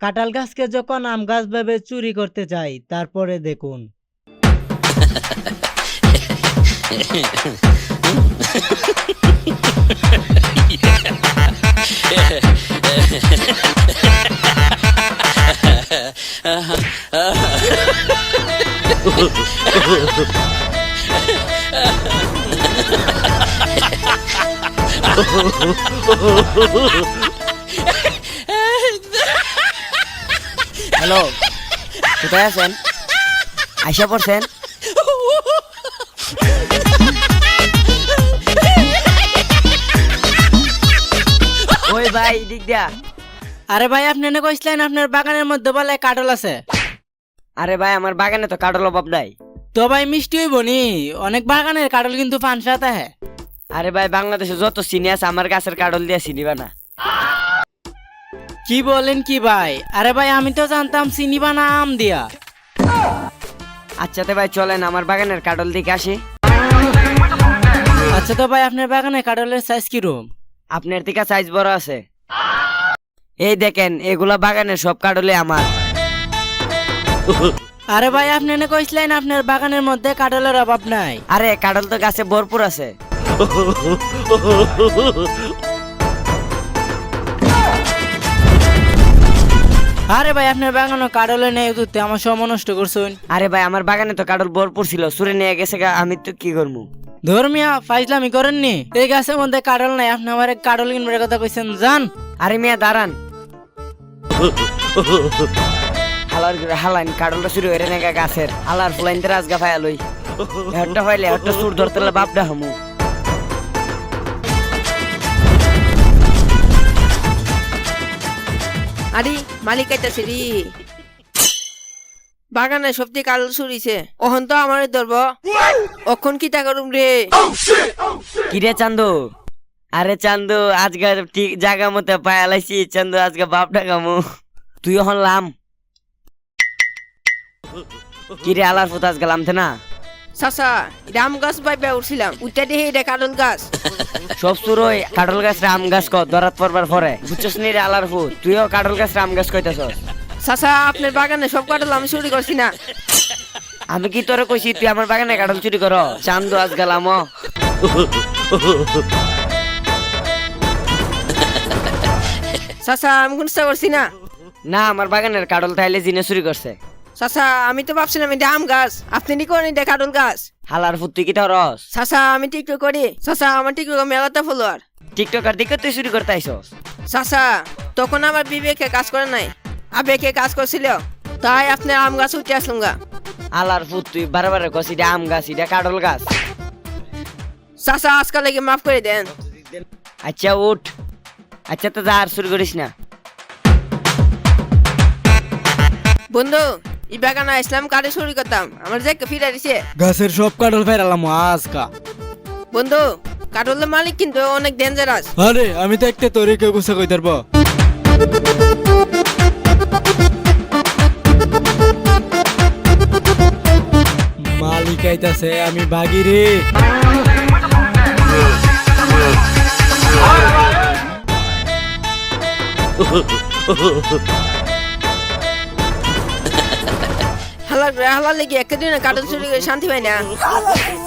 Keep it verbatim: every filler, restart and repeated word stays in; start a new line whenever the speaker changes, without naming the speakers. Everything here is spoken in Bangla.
কাঁঠাল গাছকে যখন আম গাছ ভেবে চুরি করতে চাই, তারপরে দেখুন।
হ্যালো, কোথায় আছেন? আইসা পড়ছেন? ওই ভাই দিক দিয়া।
আরে ভাই আপনি না কইছিলেন আপনার বাগানের মধ্যে বলে কাঁঠাল আছে।
আরে ভাই আমার বাগানে তো কাঁঠাল অভাব নাই।
তো ভাই মিষ্টি হইব নি, অনেক বাগানের কাঁঠাল কিন্তু ফানসাতে হ্যাঁ।
আরে ভাই বাংলাদেশে যত চিনি আছে আমার গাছের কাঁঠাল দিয়া চিনিবা না।
কি বলেন কি ভাই? আরে ভাই আমি তো জানতাম চিনিবা না আম দিয়া।
আচ্ছা তো ভাই চলেন আমার বাগানের কাঁঠাল দিকে আসি।
আচ্ছা তো ভাই আপনার বাগানে কাঁঠালের সাইজ কিরকম?
আপনার থেকে সাইজ বড় আছে। এই দেখেন এগুলা বাগানের সব কাঁঠালে আমার।
আরে ভাই আপনি না কইছিলেন আপনার বাগানের মধ্যে কাঁঠালের অভাব নাই।
আরে কাঁঠাল তো গাছে ভরপুর আছে।
আরে ভাই আপনার বাগানে কাঁঠালে নেই তুই আমার সময় নষ্ট করছেন।
আরে ভাই আমার বাগানে তো কাঁঠাল ভরপুর ছিল, সুরে নিয়ে গেছে গা, আমি তো কি করবো?
ধর্মিয়া ফাইজলামি করেননি, এই গাছের মধ্যে কাঁঠাল নাই, আপনি আমার কাঁঠাল কিনবার কথা কইছেন জান।
আরে মিয়া দাঁড়ান, হালার হালাইন কাঁঠালটা শুরু হয়ে নেগা গাছের হালার ফুলাইন রাজগা ফায়া লই হেডটা ফাইলে হেডটা সুর ধরতে বাপডা হামু।
আরে মালিক আইতাছে রে, বাগানে সবজি কাল চুরিছে, ওহন তো আমার ধরব, অখন কি তা করুম রে?
কিরে চান্দু? আরে চান্দু আজকে ঠিক জায়গা মতো পায়ালাইছি চান্দু, আজকে বাপডা কামু। তুই ওহন লাম কিরে আলার ফুত আজকে লামতে না?
চাচা রাম গাছ বাইবা উঠছিলাম, উঠতে দেখি এটা কাঁঠাল গাছ।
সব সুরই কাঁঠাল গাছ রাম গাছ ক ধরাত পড়বার পরে বুঝছস নি রে আলার ফুত, তুইও কাঁঠাল গাছ রাম গাছ কইতাছস।
চাচা আপনার বাগানে সব কাঁঠাল আমি চুরি করছি না।
আমি কি তোরে কইছি তুই আমার বাগানে কাঁঠাল চুরি কর? চান্দু আজ গেলাম।
চাচা আমি কোন চেষ্টা করছি না।
না আমার বাগানের কাঁঠাল তাইলে জিনে চুরি করছে।
চাচা আমি তো ভাবছিলাম এটা আম গাছ, আপনি নি করেন এটা কাঁঠাল গাছ।
হালার ফুত তুই কি ধরস?
চাচা আমি টিকটক করি, চাচা আমার টিকটক মেলাতে ফলোয়ার।
টিকটকার দিকে তুই চুরি করতে আইসস?
চাচা তখন আমার বিবেকে কাজ করে নাই, আবেগে কাজ করছিল, তাই আপনার আম গাছ উঠে আসলাম গা।
আলার ফুত তুই বারবার কস এটা আম গাছ এটা কাঁঠাল গাছ।
চাচা আজকাল লাগে মাফ করে দেন।
আচ্ছা উঠ, আচ্ছা তো যা আর চুরি করিস না।
বন্ধু এই বাগানে আসলাম কারে চুরি করতাম, আমার যে ফিরে দিছে।
গাছের সব কাঁঠাল ফেরালাম আজকা।
বন্ধু কাঠলের মালিক কিন্তু অনেক ডেঞ্জারাস।
আরে আমি তো একটা তোরে কেউ গুছা কই ধরব। মালিক আইতাছে, আমি ভাগি রে।
হালা হালা লেগে একদিন কাঠল চুরি করে শান্তি পাই না।